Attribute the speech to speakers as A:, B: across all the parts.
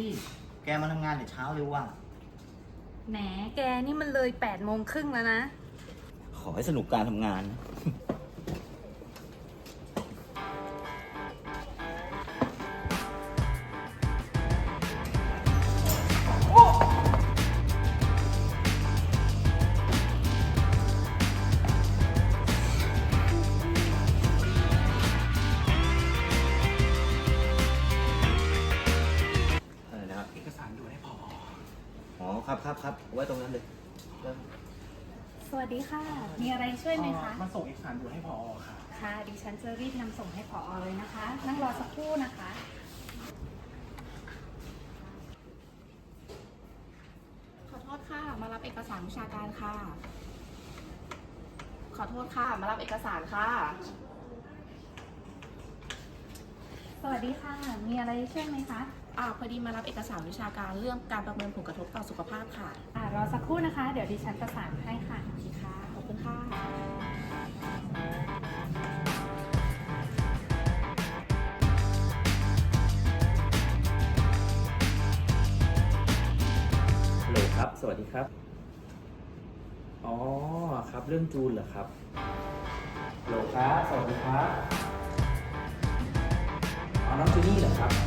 A: ลี่แกมาทำงานแต่เช้าเร็วว่ะ
B: แหมแกนี่มันเลย8:30แล้วนะ
A: ขอให้สนุกการทำงานนะ อะไรนะครับ
C: เอกสารด่วนให้ผอ.
A: อ๋อครับไว้ตรงนั้นเลยเริ่ม
B: สวัสดีค่ะ มีอะไรช่วยไหมคะ
C: มาส่งเอกสารด่วนให้ผอ. ค่ะ
B: ค่ะ ดิฉันจะรีบนำส่งให้ผอเลยนะคะ นั่งรอสักครู่นะคะ
D: ขอโทษค่ะ มารับเอกสารวิชาการค่ะ ขอโทษค่ะ มารับเอกสารค่ะ
B: สวัสดีค่ะ มีอะไรช่วยไหมคะ
D: พอดีมารับเอกสารวิชาการเรื่องการประเมินผลกระทบต่อสุขภาพค่ะ
B: รอสักครู่นะคะ เดี๋ยวดิฉันประสานให้ค่ะ
D: ค่ะ ขอบคุณค่ะ
E: ฮัลโหลครับ สวัสดีครับ อ๋อ ครับ เรื่องจูนเหรอครับฮัลโหลครับ สวัสดีครับ อ๋อ น้องจูนี่เหรอครับ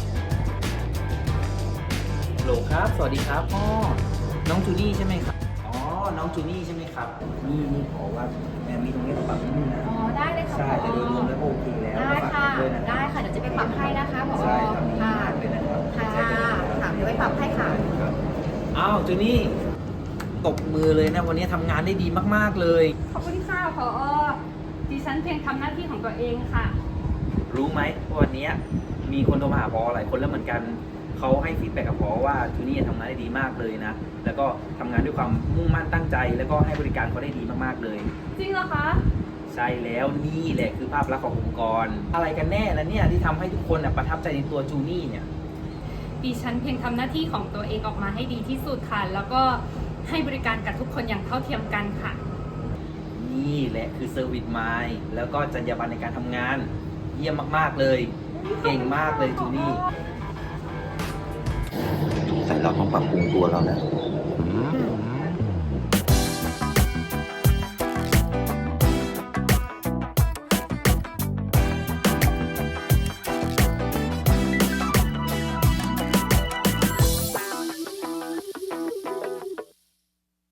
E: ฮัลโหลครับ สวัสดีครับอ๋อน้องจูนี่ใช่ไหมครับ อ๋อ น้องจูนี่ใช่ไหมครับ
A: นี่ขอว่าแม่มีตรงนี้ปรับนิดนึงนะ
B: อ๋อ ได้เลยค่ะ
A: ใช่
B: ผ
A: แต่
B: อ
A: โดยรวมแล้วโอเคแล้ว
D: ได้ค่ะ
A: ฝากด้วยนะ
D: ได้ค่ะ เดี๋ยวจะไปปรับให้นะคะผอ.
A: ใช่ทำดี
D: ค่ะ
A: มากเลยนะครับ
D: ค่ะ ค่ะ เดี๋ยวไปปรับให้ค่ะ
A: ครับ
E: อ้าว จูนี่ ตบมือเลยนะ วันนี้ทำงานได้ดีมากๆเลย
B: ขอบคุณค่ะผอ ดิฉันเพียงทำหน้าที่ของตัวเองค่ะ
E: รู้ไหมว่าวันนี้มีคนโทรมาหาพอหลายคนแล้วเหมือนกัน เขาให้ฟีดแบ็กกับพอว่าจูนี่ทำงานได้ดีมากเลยนะ แล้วก็ทำงานด้วยความมุ่งมั่นตั้งใจ แล้วก็ให้บริการเขาได้ดีมากๆเลย
B: จริงเหรอคะ
E: ใช่แล้วนี่แหละคือภาพลักษณ์ขององค์กร อะไรกันแน่แล้วเนี่ยที่ทำให้ทุกคนประทับใจในตัวจูนี่เนี่ย
B: ดิฉันเพียงทำหน้าที่ของตัวเองออกมาให้ดีที่สุดค่ะ แล้วก็ให้บริการกับทุกคนอย่างเท่าเทียมกันค่ะ
E: นี่แหละคือเซอร์วิสไมล์แล้วก็จรรยาบรรณในการทำงาน เยี่ยมมากๆเลย เก่งมากเลยจูนี่
A: สงสัยเราต้องปรับปรุงตัวเราแล้ว